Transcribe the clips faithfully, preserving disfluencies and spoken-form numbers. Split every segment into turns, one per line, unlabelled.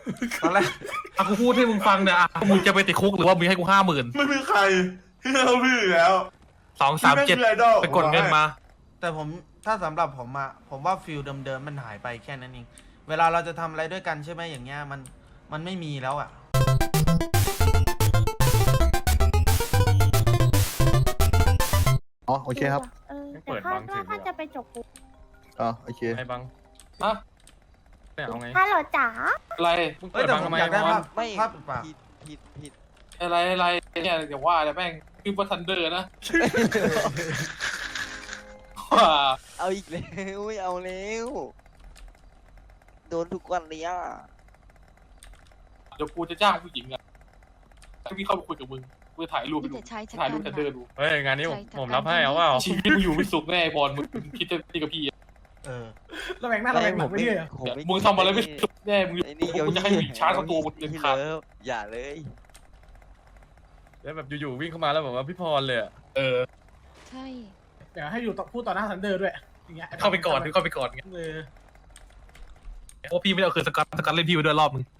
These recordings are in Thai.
ตอนแรก
อ่ะกูพูดให้มึงฟังเนี่ยอ่ะมึงจะไปติดคุกหรือว่ามึงให้กูห้าหมื่น
ไม่มีใครที่เราพี่อยู่แล้ว
สองสามเจ็ดไปกดเงินมา
แต่ผมถ้าสำหรับผมอะผมว่าฟิลเดิมๆมันหายไปแค่นั้นเองเวลาเราจะทำอะไรด้วยกันใช่ไหมอย่างเงี้ยมันมันไม่มีแล้วอะ
อ๋อโอเคครับ
เออแต่คาดว่าถ้าจะไปจบปุ๊บ
อ๋อโอเค
ไอ้บังฮะไม่เอาไง
ฮัลโหลจ๋า
อะไรมึง
เอ้
เปิ
ย
ด
แต่
บัง
ผม
ทำไม
อยากได้
วะ
ภาพ
ไม่
ภาพเปล่า
ผิดผิดผิด
อะไรอะไรเนี่ยเดี๋ยวว่าแต่แม่งคือบัทันเดอร์นะว้า
เอาอีกแล้วไม่เอาแล้วโดนทุกวันเลยอ่ะ
เดี๋ยวกูจะจ้างผู้หญิงอ่ะให้พี่เข้าไปคุยกับมึงกูจะถ่ายรูปไปดู
จะใช้ชะ
ถ่าย
กั
รูป
น
ทันเดอร์
นะ
ดู
เฮ้ยงานนี้ผม
ใช่
ผมรับให้เอาเปล่า
ชีวิตมึงอยู่ไม่สุขแน่ไอ้บอลมึงคิดจะตีกับพี่อะ
เออ
เราแบ่งหน้าเราแบ่งหลังไม่ได้เหรอ
ผมไม่
มึงทำอะไรไม่สุขแน่มึง
ไอ้นี่
กูจะให้ผู้หญิงชาร์จเข้าตัวมึงเด็ด
พี่
ขาด
เลิฟอย่าเลย
แล้วแบบอยู่ๆวิ่งเข้ามาแล้วแบบว่าพี่พรเลยอะ
เออ
ใช่
เดี๋ยวให้อยู่ต่อพูดต่อหน้าทันเดอร์ด้วยอย่างเงี้ย
เข้าไปก่อนเข้าไปก่อนไง
เออ
เพราะพี่ไม่ได้เอาคืนสกัดสกัดเล่นพี่ไปด้วยรอบมึง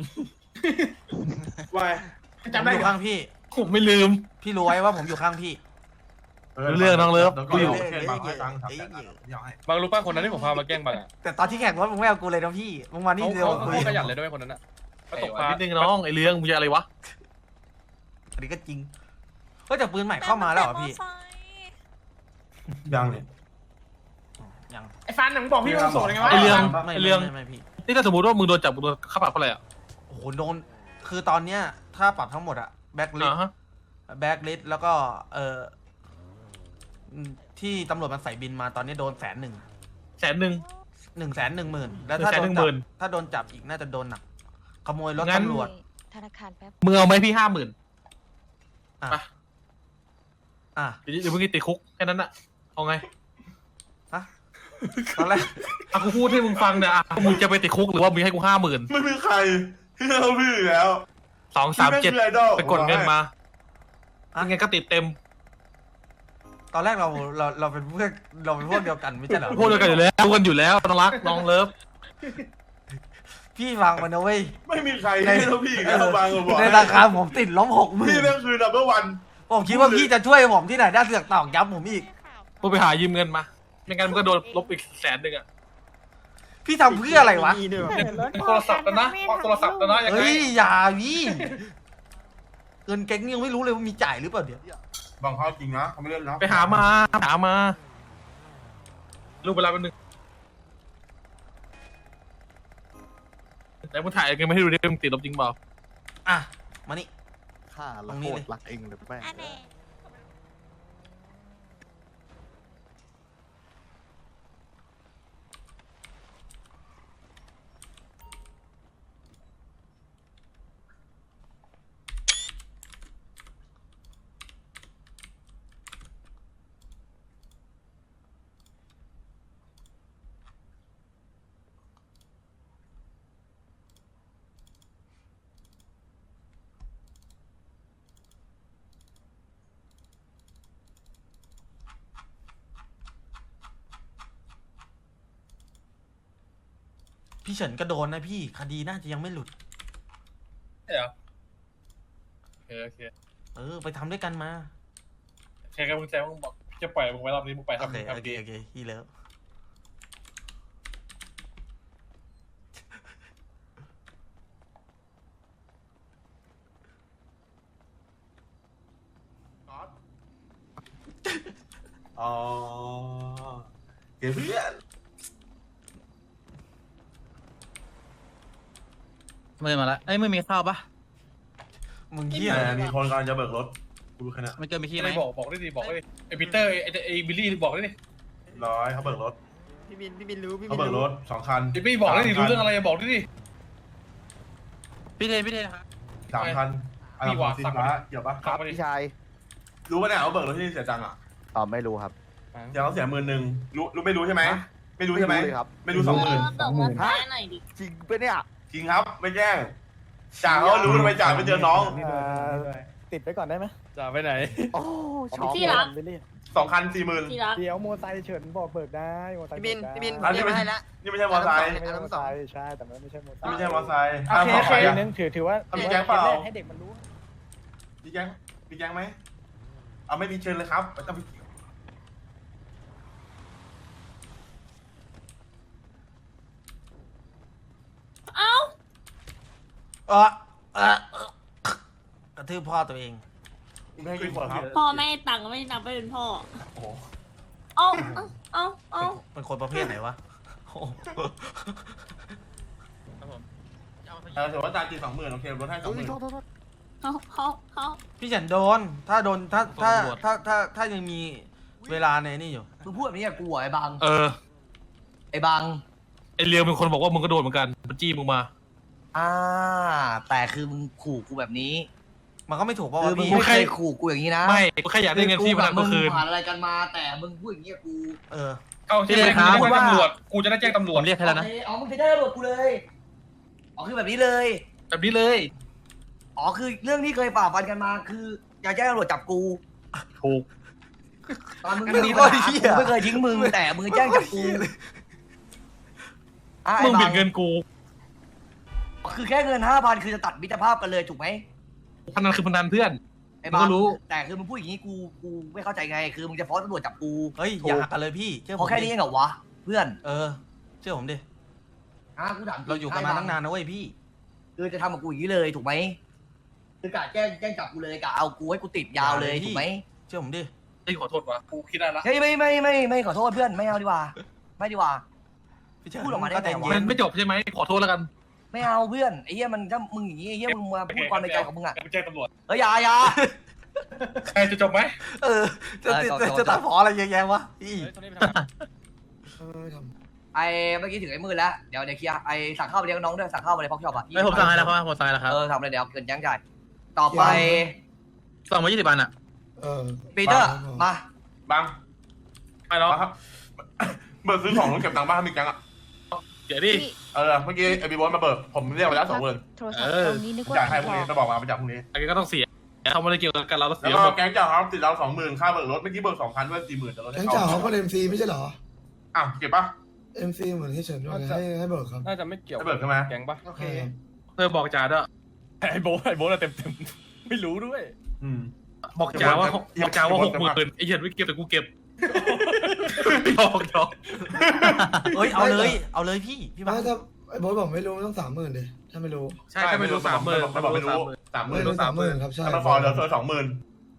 วายจำได้
ผมอยู่
เหรอ
ข้างพี่
ผมไม่ลืม
พี่รู้ไว้ว่าผมอยู่ข้างพี่
เรื่องน้องเลิฟกูอยู่
เอ้ยเอ้ยเอ้ยเอ้ย
บางรู้ป่ะคนนั้นที่ผมพามาแกล้งบางอะ
แต่ตอนที่แข่งรถมึงไม่เอากูเลยนะพี่มึงมานี่
เขา
เดียว
เขา
คุย
เขาขยันเลยด้วยคนนั้นอะเขาตกปลา
นิดนึงน้องไอ้เรื่องมึงจะอะไรวะ
อันนี้ก็จริงเฮ้ยแต่ปืนใหม่เข้ามาแล้วเหรอพี่
ยังเนี่ย
ยัง
ไอ้ฟันหนังบอกพี่ว่าโสดยังไงวะ
ไอ้เรื่อง
ไม่
ไอ้
ไม่
เรื่อง
ไม่ไม่พี่
นี่ถ้าสมมติว่ามึงโดนจับมึงโดนค่าปรับเท่าไหร่อ่ะ
โอ้โหโดนคือตอนเนี้ยถ้าปรับทั้งหมดอะแบ็คลิส
อ่าฮะ
แบ็คลิสแล้วก็เอออืมที่ตำรวจมันใส่บินมาตอนนี้โดนแสนหนึ่ง
แสนหนึ่ง
หนึ่งแสนหนึ่งหมื่นแล้วถ้า
หนึ่
โด
ง
น
แสนหนึ่งหมื่
จับ
น
ถ้าโดนจับอีกน่าจะโดนหนักขโมยรถ
งั้น
ตำรวจ
ธนาคารแป๊บ
มึงเอาไหมพี่ห้าหมื่น
อ่ะ
ไป
อ่ะ
เดี๋ยวเดี๋ยวมึงติดคุกแค่นั้นอะเอาไง
ฮะตอนแรก
อ่ะกูพูดให้มึงฟังเนี่ยอ่ะมึงจะไปติดคุกหรือว่ามึงให้กูห้าหมื่น
ไม่มีใครที่เราพี่อยู่แล้ว
สองสามเจ็ด
พี่แงคือไอดอล
ไปกดเงินมายังไงก็ติดเต็ม
ตอนแรกเราเราเราเป็นเพื่อนเราเป็นพวกเดียวกันไม่ใช่เหรอ
พูดด้วยกันอยู่แล้วรู้กันอยู่แล้วน้องรักน้องเลิฟ
พี่ฟังมันนะเว้ย
ไม่มีใครที่เราพี่อยู่แล้วบางก็บอก
ในราคาผมติดลบหกหมื่
พี่
น
นั่นคือ number one
ผมคิดว่าพี่จะช่วยผมที่ไหนได้เสือกตอกย้ำผมอีก
มึงไปหายืมเงินมาไม่งั้นมึงก็โดนลบอีกแสนหนึ่งอะ
พี่ทำเพื่ออะไรวะ
โทรศัพท์แล้วนะโทรศัพท์แล้วนะยังไง
เฮ้ยอย่าพี่เงินแก๊งยังไม่รู้เลยว่ามีจ่ายหรือเปล่าเดี๋ยว
บางเขาจริงนะเขาไม่เล่นนะ
ไปหามาหามารูปเวลาเป็นหนึ่งแล้วมึงถ่ายกันไม่ให้ดูดิมึงติดลบจริงเปล่า
อ่ะมานี่
ข้าละ
ตรงนี้
โค
เล
ต
ย
รรักเองเลยแม่ง
อันนี้
พี่เฉินก็โดนนะพี่คดีน่าจะยังไม่หลุด
ใช่เหรอโอเคโอเค
เออไปทำด้วยกันมา
แค่กับมึงแจ้งมึงบอกจะปล่อยมึงไว้รอบนี้มึงไป
โอ
ทำ
เค
ทำ
โอเค
ดี
โอเคพี่เลิฟ
อ๋อเกเพื่อน
ไม่มาละเอ้ยไม่มีข้าวปะ
มึงเฮีย
แต่มีคนกำลังจะเบิกรถกูรู้แค่นั้น
มันเกินมีที่ไหม
ไม่บอกบอกได้ดิบอกได้ดิไอปีเตอร์ไอไอบิลลี่บอกได้ดิ
ร้อยเขาเบิกรถ
พี่บินพี่บินรู้พี่บิ
เขา
น
เบิกร
รู้
ถสองคัน
ไอพี่บอกได้ดิรู้เรื่องอะไรบอกได้ดิ
พี่เทนพี่เทนครับ
สามคัน
พี่หวา
สิน
สั่ง
ค้า
มาดิ
เกี่ยวปะ
ครับมาดิ
พี่ชาย
รู้ปะเนี่ยเขาเบิกรถที่นี่เสียจังอ่ะ
อ๋อไม่รู้ครับ
เดี๋ยวเขาเสียหมื่นหนึ่งรู้รู้ไม่รู้ใช่ไหมไม่รู้ใช่ไหม
ไม่รู้เลยครับ
ไม่รู้สองหมื่น
บอกว่าแพ้หน่อยดิ
จริงปะเนี่ย
จริงครับไม่แจ้งจ่าเขารู้ทำไมจ่าไม่เจอน้อง
ติดไปก่อนได้ไหม
จ่าไปไหน
โอ้ชอบ
ที่รัก
ไปเลย
สองคันสี่หมื่น
ที่รัก
เดี๋ยวโมไซค์เฉินบอกเบิกได้โมไซค์
พี่บิน
เบิกได้
พี่บิน
อันนี้
เรียก
ไม่
มาให้ละ
นี่ไม่ใช่มอเตอร์ไซค์
ไม่ใช่โมไซค์ใช่แต่มันไม่ใช่โมไซ
นี่
ค์
ไม่ใช่มอเตอร์ไซค์
โอเคโอเค
อีกนึงถือถือว่า
มีแก๊งเปล่า
ให้เด็กมันรู้
มีแก๊งมีแก๊งไหมเอาไม่มีเชิญเลยครับไม่ต้องไป
เอ้า
เออเออกระทืบพ่อตัวเอง
ไม่ให้กินหัวครับ
พ่อไม่ให้ตังค์ไม่นับไปเป็นพ่อ
โอ้โห
เอ้าเอ้าเอ้าเอ้า
เป็นคนประเภทไหนวะโอ้โห
ครับผมเอาไป
เออถือว่าจ่ายจริงสองหมื่นโอเคลดให้สองหมื่น
เอ้าเอ้าเอ้า
พี่ฉันโดน ถ้าโดนถ้าถ้าถ้าถ้าถ้ายังมีเวลาในนี่อยู่
มึงพูดแบบนี้กับกูเหรอไอ้บัง
เออ
ไอ้บัง
ไอเรียวเป็นคนบอกว่ามึงก็โดนเหมือนกันมันจี้มึงมา
อ่า แต่คือมึงขู่กูแบบนี้
มันก็ไม่ถูกเพราะ
คือ
ว่า
มึง
พี่
ไม่เคยขู่กูอย่างนี้นะ
ไม่กูแค่อยากได้เงินที่มัน
มึ
ก็
ง
คืน
ผ่านอะไรกันมา แต่มึงพูดอย่างนี้กับกู
เออ
เอาที่ไหนครับตำรวจกูจะได้แจ้งตำร
ผ
วจ
มเรียกให้แล้วนะ
อ๋อมึงจะได้ตำรวจกูเลยอ๋อคือแบบนี้เลย
แบบนี้เลย
อ๋อคือเรื่องที่เคยฝ่าฟันกันมา คืออยากแจ้งตำรวจจับกู
ถูก
ตอนมึง
มึง
มีปัญ
โคตร
หา
เหี้
กู
ย
ไม่เคยทิ้งมึงแต่มึงแจ้งจับกูอ่ะ
มึ
ไอ้
ง
บั
บิด
ง
เงินกู
คือแค่เงินห้าพันคือจะตัดมิตรภาพกันเลยถูกไหม
พนันคือพนันเพื่อน
ไอ้บัง
มึงก็รู้
แต่คือมึงพูดอย่างนี้กูกูไม่เข้าใจไง คือมึงจะฟ้องตำรวจจับกู
เฮ้ย
ถูก
อย่ากันเลยพี่เชื่อ
เพ
ผม
ราะแค่นี้เองเหรอวะเพื่อน
เออ เชื่อผมดิ
อ่ะกูถามจง
เราอยู่กันมาตั้งนานนะเว้ยพี่
คือจะทำกับกูอย่างนี้เลยถูกไหมคือกะแจ้งแจ้งจับกูเลยกะเอากูให้กูติดยาวเลย
อย่าเลยพี่
ถูกไหม
เชื่อผมดิ
ไอ้ขอโทษวะกูคิดได้ละ
เฮ้ยไม่ไม่ไม่ไม่ขอโทษเพื่อนไม่เอาดีกว่า ไม่ดีกว่า
พี่เชิญ
พูดออกมาได้
ก็ใจ
ไงวะ
เย็
มัน นไม่จบใช่ไหมขอโทษแล้วกัน
ไม่เอาเพื่อนไอ้เหี้ยมันถ้ามึงอย่างนี้ไอ้เหี้ยมึงมาพูดความในใจของมึงอ่ะ
กูแจ้งตำรวจ
เฮ้ยอยาอยา
ใครจะจบไหม
เออ จะติด
เออ
จะ
ต่อต่อ
ตัดพออะไรเยอะแยะวะพี่
เฮ้ยตอนนี้ไปทำอะไร
ไอ้เมื่อกี้ถึงไอ้มือแล้วเดี๋ยวเดี๋ยวเคลียร์ไอ้สั่งข้าวไปเลี้ยงน้องด้วยสั่งข้าวไปเลยพ็อกช็อปอ่ะ
ไม่ผมสั่งให้แล้วครับผมสั่งให้แล้วครับ
เออทำเลยเดี๋ยวเกินยั้งจ่ายต่อไป
สั่งมายี่สิบอันอ่ะ
ปีเตอร์มา
บัง
ไม่หรอก
บังครับ เบิกซื้อของต้องเก็บตังค์บ้างมีแก๊งอ่ะ
เดี๋ยวดิ
เออเมื่อกี้ไอบีบอสมาเบิกผมเรียกไปแล้วสองหมื่น
โทรศัพท์ตรงนี้นึกว่า
จ่ายให้พรุ่งนี้จะบอกมาไปจ่ายพรุ่งนี้
อันนี้ก็ต้องเสียเขาไม่ได้เกี่ยวกับเราแล้ว
แล้
เสี
วย ก็
หมด
แก๊งจ่ายครับติดเราสองหมื่นค่าเบิกรถเมื่อกี้เบิกสองพันด้วยสี่หมื่นจะลดให้
แก๊ง
เขา
จ่าเขาก็เอ็มซีไม่ใช่เหรอ
อ้าวเก็บปะ
เอ็มซีเหมือนที่เฉินด้วยให้ให้เบิกครับ
น่าจะไม่เกี่ยว
ให้เบิกใช่ไหม
แก๊งปะ
โอเค
เธอบอกจ่าด้วย
ไอ้โบ๊ทไอ้โบ๊ทอะเต็มเต็มๆไม่รู้ด้วย
อืม
บอกจ่าว่าบอกจ่าว่าหกหมื่นไอ้เหี้ยไม่เก็บแต่กูเก็บยอกยอก
เอ้ย เอาเลย เอาเลยพี่ พี่บ้า
ไม่ถ้าไอ้โบ๊ทบอกไม่รู้ต้องสามหมื่นดิถ้าไม่รู้
ใช่ถ้าไม่รู้สามหมื่น
มันบอกไม่รู้สามห
ไม่
มื่น
รู้สามหมื่นครับใช่
ถ้ามันฟอร์เหลือเธอสองหมื่น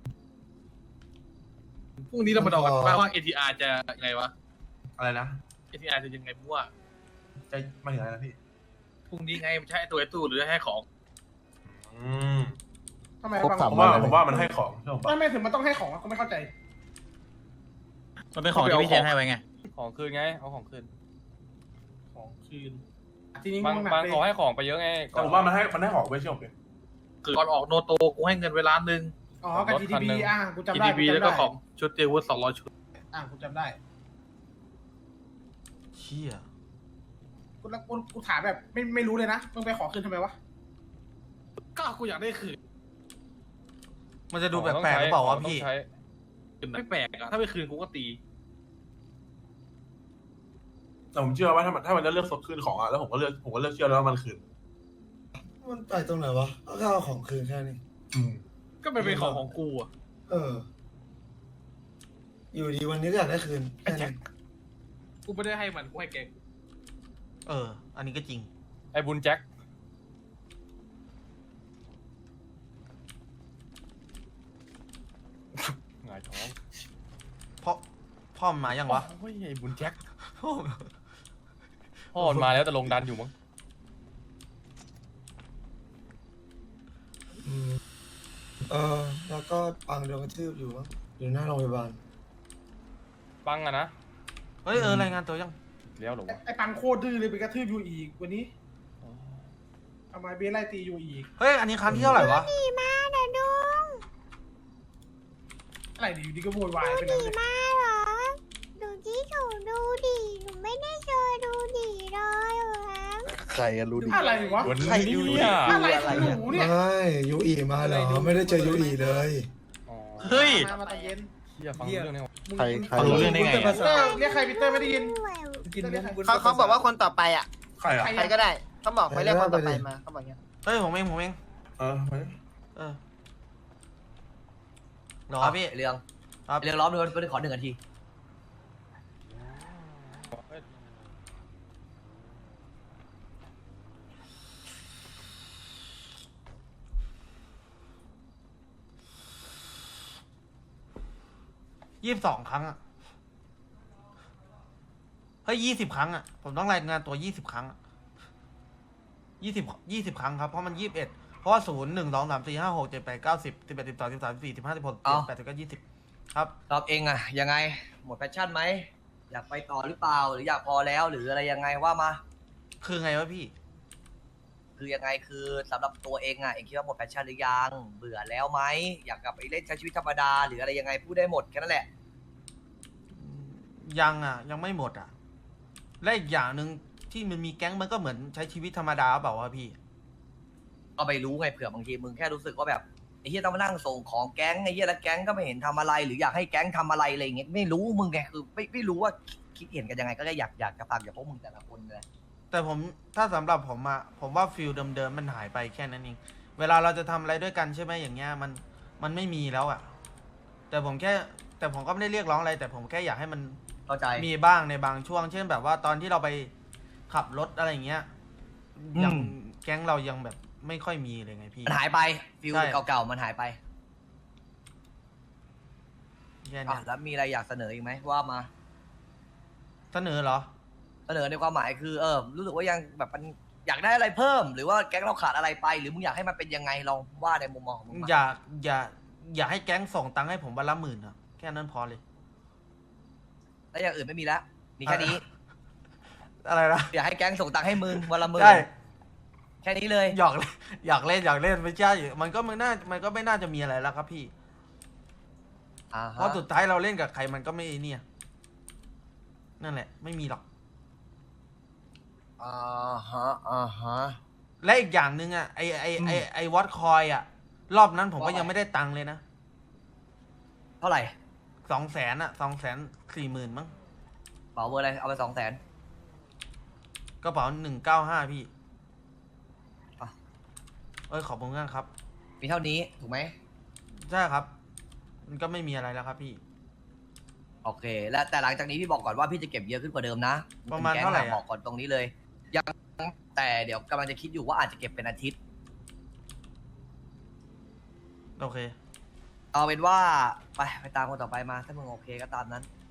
พรุ่งนี้เรามาดูกันว่าว่า เอ ที อาร์ จะยังไงวะ
อะไรนะ
เอ ที อาร์ จะยังไงมั่ว
จะมาถึงอะไรนะพี่
พรุ่งนี้ไงมันใช่ตัวไอ้ตู้หรือให้ของ
อืม
ทำไม
ครบ
บัง
สาม
ผม
วั
ว่าน
เลย
ผมว่ามันให้ของใช่ผม
ไม่
ปะ
ไม่ถึงมันต้องให้ของอะกูไม่เข้าใจ
มันเป็นของที่พี่เชนให้ไว้ไง
ของคืนไงเอาของคืน
ของคืนทีนี้
บาง
มึงหนัก
บาง
เลย
ขอให้ของไปเยอะไง
แต่ผมว่ามันให้มันให้ของไว้เชื่อผมดิ
คือก่อนออกโนโตกูให้เงินเวลาหนึ่ง
อ๋อกับ จี ที บี อ่ะกูจำ
จี
ได้
ดี
กู
บี
จำ
แล้ว
ได้
ก็ของชุดเตรียมอาวุธสองร้อยชุด
อ่ะกูจำได้
เชี่ย
กูแล้วกูกูถามแบบไม่ไม่รู้เลยนะมึงไปขอคืนทำไมวะ
ก็กูอยากได้คืน
มันจะดูแปลกๆหรือเปล่าวะพี่
ต้องใช้
ไม่แปลกอะถ้าไม่คืนกูก็ตี
แต่ผมเชื่อว่าถ้ามันถ้ามันจะเลือกสดคืนของอะแล้วผมก็เลือกผมก็เลือกเชื่อแล้วว่ามันคืน
มันไปตรงไหนวะก็แค่เอาของคืนแค่นี้
อืม
ก็เป็นเป็นของของกูอะ
เออ อยู่ดีวันนี้ก็อยากได้คืนแค่นี้
กูไม่ได้ให้มันกูให้แก
เออ อันนี้ก็จริง
ไอ้บุญแจ็คหงายท้อง
พ่อ พ่อมันมายังวะ
โอ้ยไอ้บุญแจ็ค
พ่อ
พ่อมันมาแล้วแต่ลงดันอยู่มั้ง
อืมเออ แล้วก็ปังโดนกระทืบอยู่มั้งอยู่หน้าโรงพยาบาล
บังอะนะ
เฮ้ย เออ รายงานตัวยัง
เลี้ยวเหรอ
ไอ้
วะ
ไอ้ปังโคตรดื้อเลยไปกระทืบอยู่อีกวันนี้ทำไมเบสไล่ตีอยู่อีก
เฮ้ย อันนี้ครั้งที่เท่าไหร่วะ
ดีมากนะดุง
อะไรดีอยู่ดีก็โวยวายไป
ดู
แล้ว
ดี
เนี่ย
มากเหรอ ดูที่ถูดูดีหนูไม่ได้เจอดูดีเลยเหรอ
ใครกันรู้ดิ
อะไรวะ
วันนี้เนี่ย
อะไรของหนูเนี่ย
ไม่ยูอีมาเหรอไม่ได้เจอยูอีเลย
เฮ้ย
มามาตอนเย็น
อย่าฟังเรื่องนี้
มึง
ใครใคร
ฟังรู้เรื่องได้ไง
เตอร์เรียกใครพีเตอร์ไม่ได้ยิน
กินมุ้ง
เขาเขาบอกว่าคนต่อไปอ่ะ
ใครอ่ะ
ใครก็ได้เขาบอกไปเรียกคนต่อไปมาเขาบอกเงี้ย
เฮ้ยผมเองผมเอง
เออไป
เออหรอพี่
ไอ้เรื่อง
ครับ
ไอ้เรื่องล้อมด้วยไปขอหนึ่งนาที
ยี่สิบสองครั้งอะเฮ้ยยี่สิบครั้งอะผมต้องรายงานตัวยี่สิบครั้งยี่สิบยี่สิบครั้งครับเพราะมันยี่สิบเอ็ดเพราะว่าศูนย์หนึ่งสองสามสี่ห้าหกเจ็ดแปดเก้าสิบสิบเอ็ดสิบสองสิบสามสิบสี่สิบห้าสิบหกสิบเจ็ดสิบแปดสิบเก้ายี่สิบครับ
รอบเองอะยังไงหมดแพชชั่นไหมอยากไปต่อหรือเปล่าหรืออยากพอแล้วหรืออะไรยังไงว่ามา
คือไงวะพี่
คือยังไงคือสำหรับตัวเองอะเองคิดว่าหมดแพชชั่นหรือยังเบื่อแล้วไหมอยากกลับไปเล่นใช้ชีวิตธรรมดาหรืออะไรยังไงพูดได้หมดแค่นั้นแหละ
ยังอ่ะ ยังไม่หมดอ่ะ และอีกอย่างหนึ่งที่มันมีแก๊งมันก็เหมือนใช้ชีวิตธรรมดาเปล่าวะพี่
ก็ไม่รู้ไงเผื่อบางทีมึงแค่รู้สึกว่าแบบไอ้เฮียต้องมานั่งส่งของแก๊งไอ้เฮียแล้วแก๊งก็ไม่เห็นทำอะไร หรืออยากให้แก๊งทำอะไรอะไรอย่างเงี้ยไม่รู้มึงไงคือไม่ไม่รู้ว่าคิดเห็นกันยังไงก็แค่อยากอยากจะฟังจากพวกมึงแต่ละคนเลย
แต่ผมถ้าสำหรับผมอะผมว่าฟิลเดิมๆมันหายไปแค่นั้นเองเวลาเราจะทำอะไรด้วยกันใช่ไหมอย่างเงี้ยมันมันไม่มีแล้วอะแต่ผมแค่แต่ผมก็ไม่ได้เรียกร้องอะไร แต่ผมแค่อยากให้มัน
เข้าใจ
มีบ้างในบางช่วง เช่นแบบว่าตอนที่เราไปขับรถอะไรอย่างเงี้ยอย่างแก๊งเรายังแบบไม่ค่อยมีเลยไงพี่
มันหายไปฟิล
ใช่
เก่าๆมันหายไป
แค่
อ่ะ
เนี้ย
แล้วมีอะไรอยากเสนออีกไหมว่ามา
เสนอเหรอ
เสนอในความหมายคือเออรู้สึกว่ายังแบบมันอยากได้อะไรเพิ่ม หรือว่าแก๊งเราขาดอะไรไป หรือมึงอยากให้มันเป็นยังไงลองว่าในมุมมองของมึงมา
อย่าอย่าอย่าให้แก๊งส่งตังค์ให้ผมวันละหมื่นอะแค่นั้นพอเลย
แล้วอย่างอื่นไม่มีแล้วมีแค่นี้
อะไรนะ
อยากให้แก๊งส่งตังค์ให้มึงวันละหมื่น
ใช่
แค่นี้เลย
หยอกเล่นหยอกเล่นหยอกเล่นไม่ใช่มันก็มันน่ามันก็ไม่น่าจะมีอะไรแล้วครับพี่
อ่า
เพ
ฮะ
ราะสุดท้ายเราเล่นกับใครมันก็ไม่เนี่ยนั่นแหละ ไม่มีหรอก
อ่าฮะอ่าฮะ
และอีกอย่างหนึ่งอ่ะไอไอไอไอวอตคอยอ่ะ รอบนั้นผมก็ยังไม่ได้ตังค์เลยนะ
เท่าไหร่
สองแสนอ่ะสองแสนสี่หมื่นมั้ง
เป๋าเบอร์อะไรเอาไปสองแสน
กระเป๋าหนึ่งเก้าห้าพี่
อ่ะ
เอ้ยขอบคุณมากครับ
มีเท่านี้ถูกไหม
ใช่ครับ มันก็ไม่มีอะไรแล้วครับพี่
โอเค และแต่หลังจากนี้พี่บอกก่อนว่าพี่จะเก็บเยอะขึ้นกว่าเดิมนะ
ประมาณเท่าไหร่อะ
บอกก่อนตรงนี้เลย ยังแต่เดี๋ยวกำลังจะคิดอยู่ว่าอาจจะเก็บเป็นอาทิตย์
โอเค
เอาเป็นว่าไปไปตามคนต่อไปมา ถ้ามึงโอเคก็ตามนั้น